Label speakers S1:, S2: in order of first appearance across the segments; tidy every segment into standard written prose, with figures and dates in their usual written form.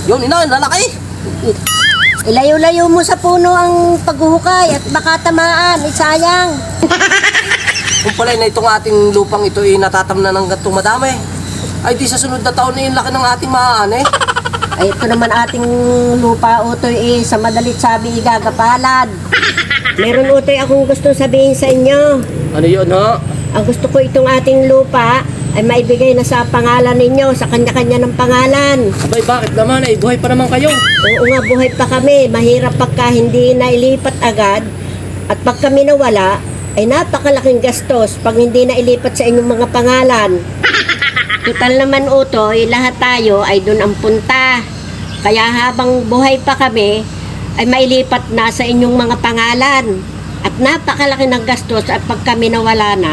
S1: Yun, ina, lalaki.
S2: Ilayo-layo mo sa puno ang paghuhukay at baka tamaan, sayang.
S1: Kung pala na itong ating lupang ito ay natatamnan ng gantong madami, ay di sa sunod na taon na yung laki ng ating maaan eh.
S2: Ay ito naman ating lupa, Utoy, sa madalit sabi igagapalad. Meron, Utoy, akong gustong sabihin sa inyo.
S1: Ano yun, ha?
S2: Ang gusto ko itong ating lupa ay maibigay na sa pangalan ninyo, sa kanya-kanya ng pangalan.
S1: Abay, bakit naman? Ay, buhay pa naman kayo.
S2: Oo nga, buhay pa kami. Mahirap pagka hindi nailipat agad. At pag kami nawala, ay napakalaking gastos pag hindi nailipat sa inyong mga pangalan. Total naman, Utoy, lahat tayo ay doon ang punta. Kaya habang buhay pa kami, ay mailipat na sa inyong mga pangalan. At napakalaki ng gastos at pag kami nawala na.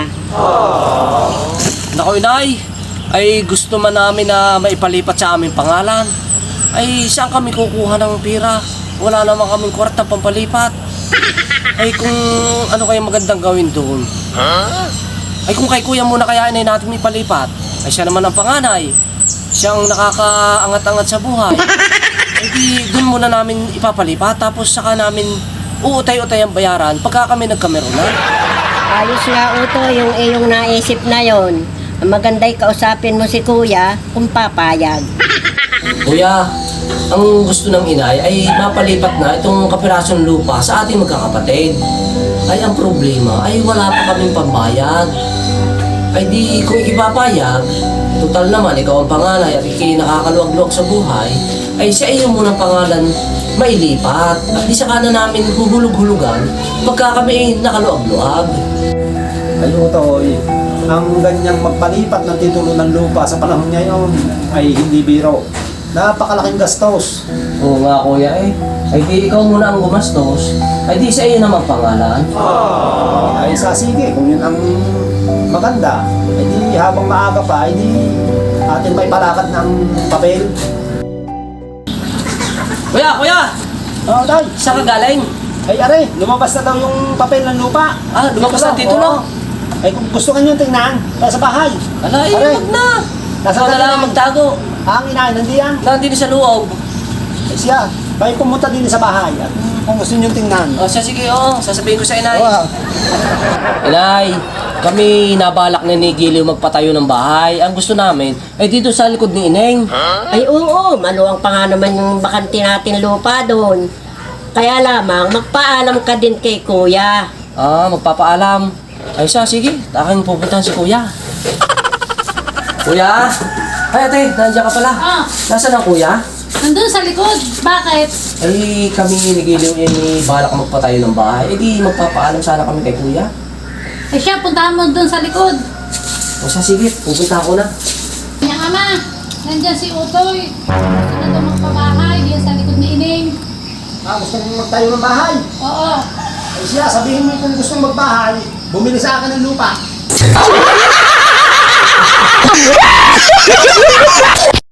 S1: Naku, inay, ay gusto man namin na maipalipat sa aming pangalan. Ay, saan kami kukuha ng pira? Wala naman kaming kwarta pampalipat. Ay, kung ano kaya magandang gawin doon? Ay, kung kay kuya muna kaya inay natin ipalipat. Ay, siya naman ang panganay. Siyang nakakaangat-angat sa buhay. Ay, di doon muna namin ipapalipat. Tapos saka namin uutay-utay ang bayaran pagka kami nagkameron na.
S2: Ayos nga, Utoy, yung iyong naisip na yon. Maganda'y kausapin mo si kuya kung papayag.
S1: Kuya, ang gusto ng inay ay mapalipat na itong kapirasong lupa sa ating magkakapatid. Ay, ang problema ay wala pa kaming pambayad. Ay di kung ipapayag, total naman ikaw ang panganay at ikay nakakaluwag-luwag sa buhay, ay sa iyo munang pangalan mailipat. At di saka na namin huhulog-hulugan pagka kami ay nakaluwag-luwag.
S3: Ay, Utoy, ang ganyang magpalipat ng titulo ng lupa sa panahon ngayon ay hindi biro. Napakalaking gastos.
S1: Oo nga kuya eh. Ay di ikaw muna ang gumastos, ay di sa iyo naman pangalan.
S3: Ay sige, kung yun ang maganda, ay di habang maaga pa, ay di atin may palakad ng papel.
S1: Kuya!
S3: Oo, Tay.
S1: Saan ka galing?
S3: Ay, are, lumabas na daw yung papel ng lupa.
S1: Ah, lumabas na
S3: Dito
S1: titulo?
S3: oo. Ay, kung gusto ka nyo tingnan, tayo sa bahay.
S1: Ala, eh,
S3: Are,
S1: wag na.
S3: Nasa
S1: Ikaw na lang
S3: kanila.
S1: ang magtago.
S3: ang inay, nandiyan.
S1: Nandito sa loob.
S3: Ay, siya, kayo pumunta din sa bahay. At kung gusto nyo tingnan.
S1: O siya, sige, oo. Sasabihin ko sa inay.
S3: Oo.
S1: Inay, kami nabalak na ni Giliw magpatayo ng bahay. Ang gusto namin ay dito sa likod ni Ineng.
S2: Ay oo, maluwang pa nga naman yung bakante natin lupa doon. Kaya lamang, magpaalam ka din kay kuya.
S1: Ah, magpapaalam. Ay siya, sige. Aking pupuntahan si Kuya. Kuya? Ay, ate, nandiyan ka pala.
S4: Ah.
S1: Nasaan ang Kuya?
S4: Nandun sa likod. Bakit?
S1: Ay, kami ni Giliw ni balak magpatayo ng bahay. Eh di, magpapaalam sana kami kay Kuya.
S4: Eh siya, puntahan mo dun sa likod.
S1: O siya, sige. Pupunta ako na.
S4: Kanya ama, nandyan si Utoy. Gusto na daw magpabahay diyan sa likod ni Ining.
S3: Gusto mong magtayo ng bahay.
S4: Oo.
S3: Ay siya, sabihin mo kung gusto mong magbahay, bumili sa akin ng lupa.